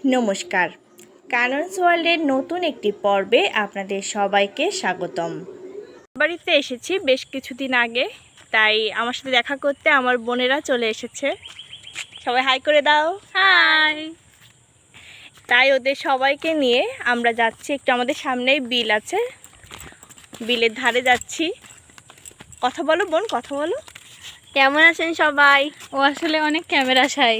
নমস্কার, কানন্স ওয়ার্ল্ডের নতুন একটি পর্বে আপনাদের সবাইকে স্বাগতম। বাড়িতে এসেছি বেশ কিছুদিন আগে, তাই আমার সাথে দেখা করতে আমার বোনেরা চলে এসেছে। সবাই হাই করে দাও। হাই। তাই ওদের সবাইকে নিয়ে আমরা যাচ্ছি, একটু আমাদের সামনেই বিল আছে, বিলের ধারে যাচ্ছি। কথা বলো বোন, কথা বলো। কেমন আছেন সবাই? ও আসলে অনেক ক্যামেরা শাই।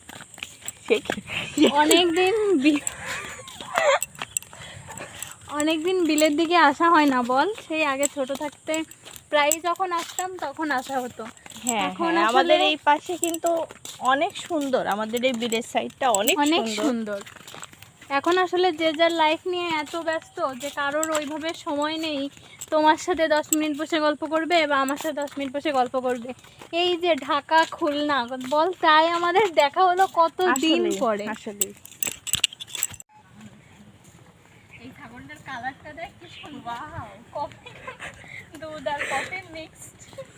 অনেকদিন বিলের দিকে আসা হয় না বল। সেই আগে ছোট থাকতে প্রায় যখন আসতাম তখন আসা হতো। হ্যাঁ, আমাদের এই পাশে কিন্তু অনেক সুন্দর, আমাদের এই বিলের সাইডটা অনেক সুন্দর। এখন আসলে যে যার লাইফ নিয়ে এত ব্যস্ত যে কারোর ওইভাবে সময় নেই তোমার সাথে 10 মিনিট বসে গল্প করবে বা আমার সাথে 10 মিনিট বসে গল্প করবে। এই যে ঢাকা খুলনা বল, তাই আমাদের দেখা হলো কত দিন পরে। আসলে এই ছাগলটার কালারটা দেখ কি সুন্দর। ওয়াও, কফি দুধ আর কফি মিক্সড।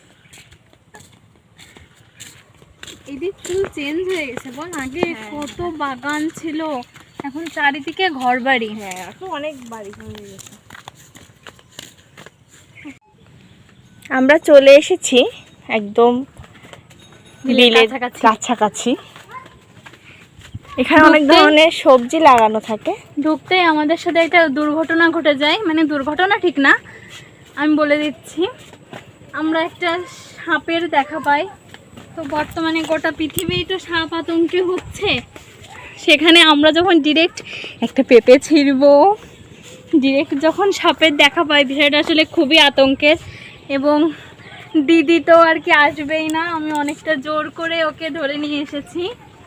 এদিক ফুল চেঞ্জ হয়ে গেছে বল। আগে কত বাগান ছিল, এখন চারিদিকে ঘরবাড়ি। হ্যাঁ, এখন অনেক বাড়ি হয়ে গেছে। আমরা চলে এসেছি একদম বিলের কাছাকাছি। এখানে অনেক ধরনের সবজি লাগানো থাকে। ঢুকতেই আমাদের সাথে একটা দুর্ঘটনা ঘটে যায়, মানে দুর্ঘটনা ঠিক না, আমি বলে দিচ্ছি। আমরা একটা সাপের দেখা পাই। তো বর্তমানে গোটা পৃথিবী তো সাপ আতঙ্কে হচ্ছে, সেখানে আমরা যখন ডিরেক্ট একটা পেঁপে ছিঁড়ব, ডিরেক্ট যখন সাপের দেখা পাই, বিষয়টা আসলে খুবই আতঙ্কের। এবং দিদি তো আর কি আসবেই না, আমি অনেকটা জোর করে ওকে ধরে নিয়ে এসেছি।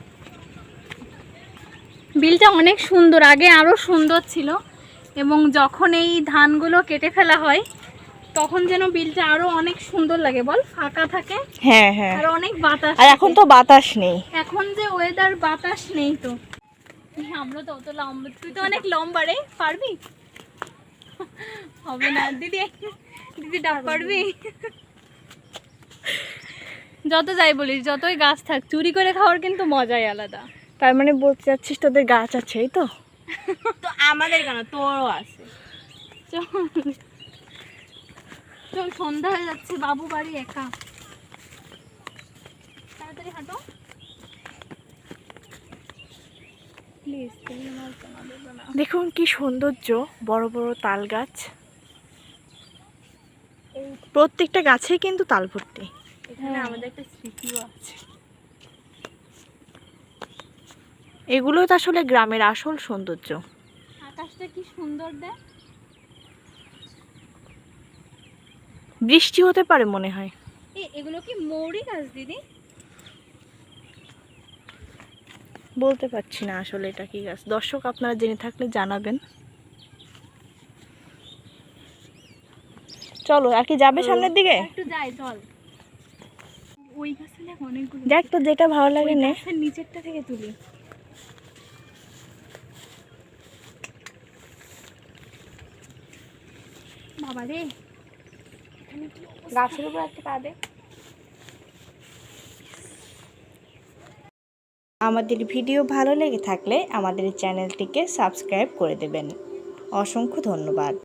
বিলটা অনেক সুন্দর, আগে আরও সুন্দর ছিল। এবং যখন এই ধানগুলো কেটে ফেলা হয় তখন যেন বিলটা আরো অনেক সুন্দর লাগে বল, ফাঁকা থাকে। হ্যাঁ হ্যাঁ, আর অনেক বাতাস। আর এখন তো বাতাস নেই, এখন যে ওয়েদার, বাতাস নেই তো। আমরা তো অত লম্বা, তুই তো অনেক লম্বা রে, পারবি? হবে না দিদি, দিদি ডাক পারবি? যত যাই বলিস, যতই গাছ থাক, চুরি করে খাওয়ার কিন্তু মজাই আলাদা। তার মানে বলতে চাচ্ছিস তোদের গাছ আছে, এই তো? তো আমাদের কেন, তোরও আছে। চল, সন্ধ্যা হয়ে যাচ্ছে, বাবু বাড়ি একা। তাড়াতাড়ি হাঁটো প্লিজ। দেখুন কি সৌন্দর্য, বড় বড় তাল গাছ, প্রত্যেকটা গাছেই কিন্তু তাল ভর্তি। এখানে আমাদের একটা স্মৃতিও আছে। এগুলো তো আসলে গ্রামের আসল সৌন্দর্য। আকাশটা কি সুন্দর দেখ। বৃষ্টি হতে পারে মনে হয়। এগুলো কি মৌরি গাছ দিদি? বলতে পারছি না আসলে এটা কি গাছ। দর্শক আপনারা জেনে থাকলে জানাবেন। চলো, আর কি যাবে সামনের দিকে? একটু যাই চল। ওই গাছে দেখ অনেকগুলো। দেখ তো, যেটা ভালো লাগে নে। গাছের নিচেরটা থেকে তুলি। বাবা রে, গাছের উপর একটা পা দে। আমাদের ভিডিও ভালো লেগে থাকলে আমাদের চ্যানেলটিকে সাবস্ক্রাইব করে দেবেন। অসংখ্য ধন্যবাদ।